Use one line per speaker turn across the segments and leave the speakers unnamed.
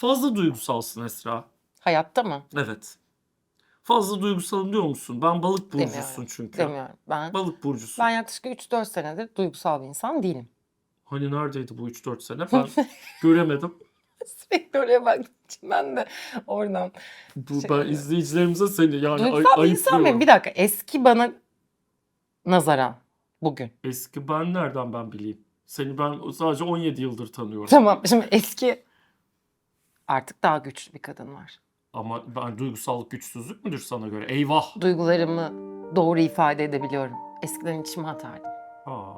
Fazla duygusalsın Esra.
Hayatta mı?
Evet. Fazla duygusalım diyor musun? Ben balık burcusun
Demiyorum.
çünkü.
Demiyorum.
Balık burcusun.
Ben yaklaşık 3-4 senedir duygusal bir insan değilim.
Hani neredeydi bu 3-4 sene? Ben göremedim.
Sürekli oraya baktığım için ben de oradan
Ben izleyicilerimize seni yani
duygusal bir insan mıyım?
ayıplıyorum.
Bir dakika. Eski bana nazaran bugün.
Eski ben nereden ben bileyim? Seni ben sadece 17 yıldır tanıyorum.
Tamam. Şimdi eski artık daha güçlü bir kadın var.
Ama ben duygusallık güçsüzlük müdür sana göre? Eyvah.
Duygularımı doğru ifade edebiliyorum. Eskiden içime atardım.
Aa.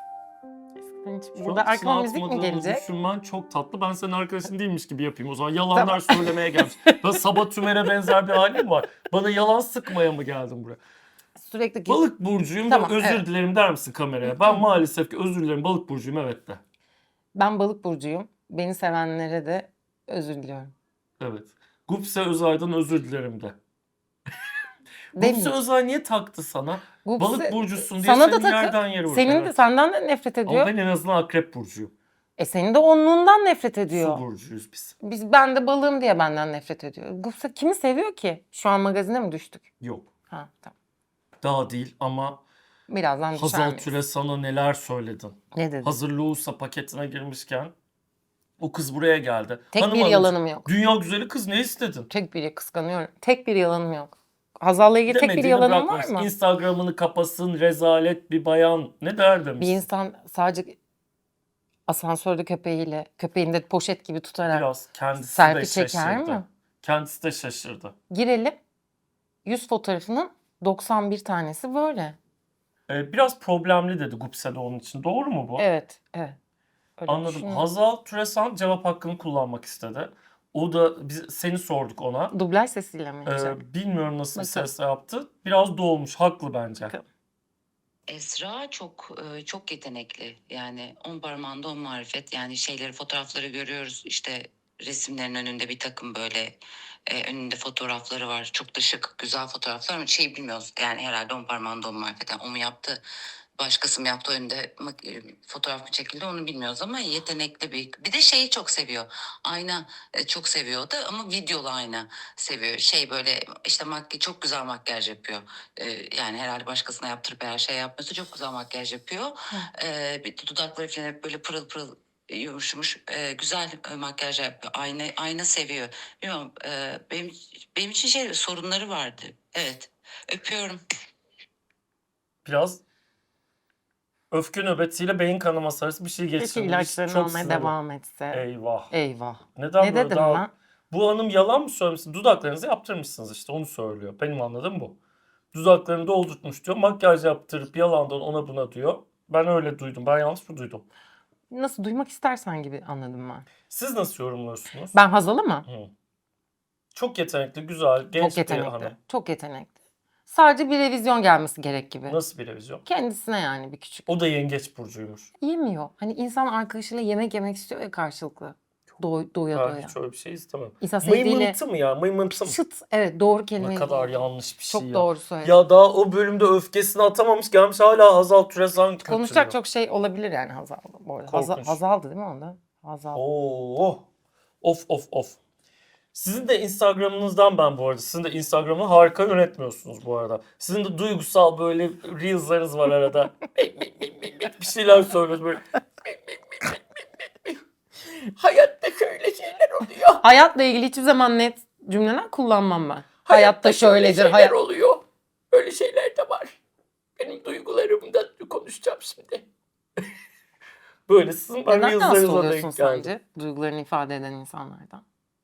Eskiden
Şu
burada
an
arkama
içine
müzik mi
atmadığını
gelecek?
düşünmen çok tatlı. Ben senin arkadaşın değilmiş gibi yapayım. O zaman yalanlar söylemeye gelmiş. Ben Sabah Tümer'e benzer bir halim var. Bana yalan sıkmaya mı geldin buraya?
Sürekli
Balık burcuyum
Tamam,
ve özür
evet.
dilerim der misin kameraya? Ben maalesef ki özür dilerim balık burcuyum evet de.
Ben balık burcuyum. Beni sevenlere de özür diliyorum.
Evet. Gupse Özay'dan özür dilerim de. Gupse
Demeyeceğim.
Özay niye taktı sana?
Gupse-
Balık burcusun diye
sana da
seni
takıp,
yerden yere vurdu.
senin de
Evet.
senden de nefret ediyor.
Ama ben en azından akrep burcuyum.
Senin de onluğundan nefret ediyor.
Su burcuyuz biz.
Ben de balığım diye benden nefret ediyor. Gupse kimi seviyor ki? Şu an magazine mi düştük?
Yok.
Ha, tamam.
Daha değil ama
Birazdan düşer
Hazal
miyiz?
Türe sana neler söyledin?
Ne dedi?
Hazır Loğusa paketine girmişken o kız buraya geldi.
Tek
Hanım
bir
hanımcık,
yalanım yok.
Dünya güzeli kız ne istedin?
Tek biri kıskanıyorum. Tek bir yalanım yok. Hazal'la ilgili tek bir
Demediğini
yalanım var
bırakmaz.
mı?
Instagram'ını kapasın, rezalet bir bayan. Ne der demiş.
Bir insan sadece asansörde köpeğini de poşet gibi tutarak
Biraz kendisi
selfie
de
çeker
şaşırdı.
mi?
Kendisi de şaşırdı.
Girelim. 100 fotoğrafının 91 tanesi böyle.
Biraz problemli dedi Gupse de onun için. Doğru mu bu?
Evet, evet. Öyle
Anladım.
düşünüyorum.
Hazal Türesan cevap hakkını kullanmak istedi. O da seni sorduk ona.
Dublaj sesiyle mi yapacak?
Bilmiyorum nasıl bir
Bakalım.
sesle yaptı. Biraz dolmuş. Haklı bence.
Bakalım.
Esra çok yetenekli. Yani 10 parmağında 10 marifet. Yani fotoğrafları görüyoruz. İşte resimlerin önünde bir takım böyle önünde fotoğrafları var. Çok da şık, güzel fotoğraflar ama bilmiyoruz. Yani herhalde 10 parmağında 10 marifet. Yani o mu yaptı? Başkası mı yaptı önünde fotoğraf mı çekildi onu bilmiyoruz ama yetenekli bir de şeyi çok seviyor. Ayna çok seviyordu ama videolu ayna seviyor. Böyle işte çok güzel makyaj yapıyor. Yani herhalde başkasına yaptırıp her şey yapmıyorsa çok güzel makyaj yapıyor. Bir dudakları falan hep böyle pırıl pırıl yumuşamış. Güzel makyaj yapıyor. Ayna seviyor. Bilmiyorum benim için sorunları vardı. Evet. Öpüyorum.
Biraz öfke nöbetiyle beyin kanaması arası bir şey
Keşke
geçirdi.
ilaçlarını
Çok
almaya
sinirli.
devam etse.
Eyvah.
Eyvah.
Neden
Ne
böyle
dedim
daha...
ben?
Bu hanım yalan mı söylemişsin? Dudaklarınızı yaptırmışsınız işte onu söylüyor. Benim anladığım bu. Dudaklarını doldurtmuş diyor. Makyaj yaptırıp yalandan ona buna diyor. Ben öyle duydum. Ben yanlış mı duydum?
Nasıl duymak istersen gibi anladım ben.
Siz nasıl yorumluyorsunuz?
Ben Hazal'ı mı?
Hı. Çok yetenekli, güzel, genç
Çok
bir
yetenekli.
hanım.
Çok yetenekli. Sadece bir revizyon gelmesi gerek gibi.
Nasıl bir revizyon?
Kendisine yani bir küçük.
O da yengeç burcuymuş.
Yemiyor. Hani insan arkadaşıyla yemek yemek istiyor ya karşılıklı. Doya
Ben
doya.
hiç öyle bir şey istemem.
İnsan sevdiğiyle
Mıymıntı mı ya? Mıymıntı mı?
çıt. Evet doğru
Ne
kelimeyi
kadar
buldun.
yanlış bir şey
Çok
ya.
doğru söyledin.
Ya daha o bölümde öfkesini atamamış gelmiş hala Hazal Türesan kötülüyor.
Konuşacak çok şey olabilir yani Hazal'da. Bu arada.
Korkunç.
Hazal'dı değil mi onda? Hazal.
Oo. Of. Sizin de Instagram'ınızdan ben bu arada. Sizin de Instagram'ı harika yönetmiyorsunuz bu arada. Sizin de duygusal böyle reels'larınız var arada. Bir şeyler söylüyorsunuz böyle. Hayatta şöyle şeyler oluyor.
Hayatla ilgili hiçbir zaman net cümleler kullanmam ben. Hayatta şöyledir.
Şeyler oluyor. Öyle şeyler de var. Benim duygularımda konuşacağım şimdi. Böyle sizin ben
Neden rahatsız
reels'larınıza
oluyorsun
denk geldim.
sence duygularını ifade eden insanlardan?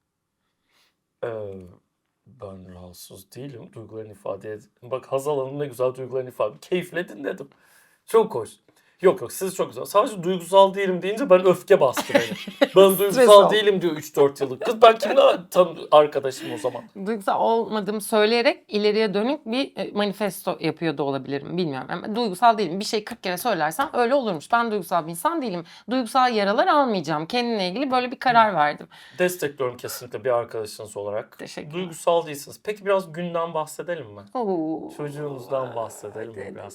Ben rahatsız değilim. Duygularını ifade edin. Bak Hazal Hanım ne güzel duygularını ifade. Keyifle dinledim. Çok hoş. Yok siz çok güzel. Sadece duygusal değilim deyince ben öfke bastı beni. Ben duygusal
oldu.
değilim diyor 3-4 yıllık. Kız ben kimle arkadaşım o zaman?
Duygusal olmadığımı söyleyerek ileriye dönük bir manifesto yapıyor da olabilirim. Bilmiyorum. Ama duygusal değilim. Bir şey 40 kere söylersem öyle olurmuş. Ben duygusal bir insan değilim. Duygusal yaralar almayacağım. Kendimle ilgili böyle bir karar verdim.
Destekliyorum kesinlikle bir arkadaşınız olarak.
Teşekkürler.
Duygusal değilsiniz. Peki biraz günden bahsedelim mi?
Oo.
Çocuğunuzdan bahsedelim mi
Hadi,
biraz?
hadi.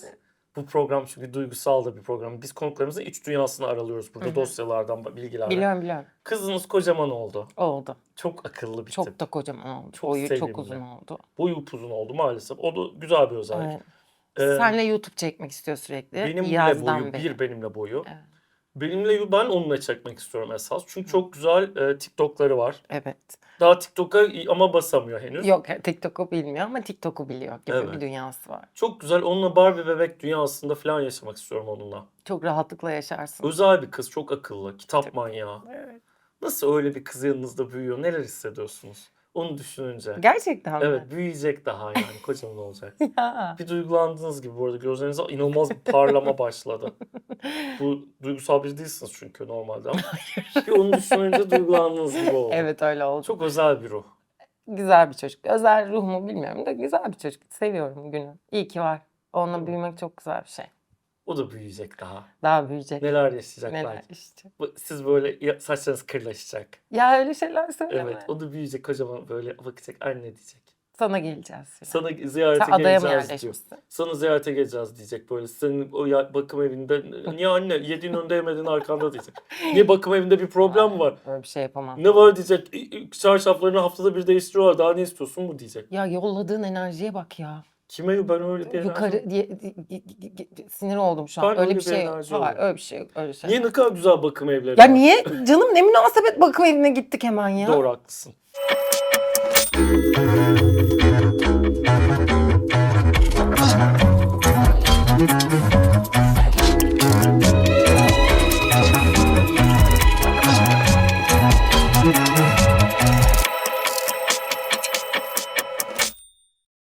Bu program çünkü duygusal da bir program. Biz konuklarımızın iç dünyasını aralıyoruz burada,
Hı hı.
dosyalardan, bilgilerden.
Biliyorum.
Kızınız kocaman oldu.
Oldu.
Çok akıllı bir
Çok
tip.
da kocaman oldu.
Çok
Boyu
sevimli.
çok uzun oldu.
Boyu upuzun oldu maalesef. O da güzel bir özellik.
Evet.
Ee,
Senle YouTube çekmek istiyor sürekli.
benimle
Yazdan
boyu,
beri.
benimle boyu.
Evet.
Ben onunla çekmek istiyorum esas. Çünkü çok güzel TikTok'ları var.
Evet.
Daha TikTok'a ama basamıyor henüz.
Yok TikTok'u bilmiyor ama TikTok'u biliyor gibi
Evet.
bir dünyası var.
Çok güzel. Onunla Barbie bebek dünyasında falan yaşamak istiyorum onunla.
Çok rahatlıkla yaşarsın.
Özel bir kız, çok akıllı, kitap
Çok-
manyağı.
Evet.
Nasıl öyle bir kız yanınızda büyüyor? Neler hissediyorsunuz? Onu düşününce.
Gerçekten mi?
Evet, büyüyecek daha yani. Kocaman olacak.
Ya.
Bir duygulandığınız gibi bu arada. Gözlerinize inanılmaz bir parlama başladı. Bu duygusal biri değilsiniz çünkü normalde ama. Bir onu düşününce duygulandığınız gibi oldu.
Evet öyle oldu.
Çok özel bir ruh.
Güzel bir çocuk. Özel ruh mu bilmiyorum da güzel bir çocuk. Seviyorum Günü. İyi ki var. Onunla
Değil mi?
büyümek çok güzel bir şey.
O da büyüyecek daha.
Daha büyüyecek.
Neler yaşayacak
Neler
belki.
işte.
Siz böyle saçlarınız kırlaşacak.
Ya öyle şeyler söyleme.
Evet, o da büyüyecek, kocaman böyle bakacak, anne diyecek.
Sana geleceğiz. Filan.
Sana ziyarete
Sen adaya mı
geleceğiz diyor.
yerleşmişsin?
Sana ziyarete geleceğiz diyecek böyle. Senin o bakım evinde niye anne yediğin önde yemediğin arkanda diyecek. Niye bakım evinde bir problem mi var?
Öyle bir şey yapamam.
Ne var diyecek. Çarşaflarını haftada bir değiştiriyorlar. Daha ne istiyorsun mu diyecek.
Ya yolladığın enerjiye bak ya.
Kime ben öyle bir
Yukarı
enerji-
sinir oldum şu an.
Ben
Öyle
öyle
bir
bir
şey yok.
enerji
Hayır,
oldum.
öyle bir şey yok. Öyle bir şey.
Niye ne kadar güzel bakım evleri
Ya
var.
niye? Canım ne münasebet bakım evine gittik hemen ya.
Doğru haklısın.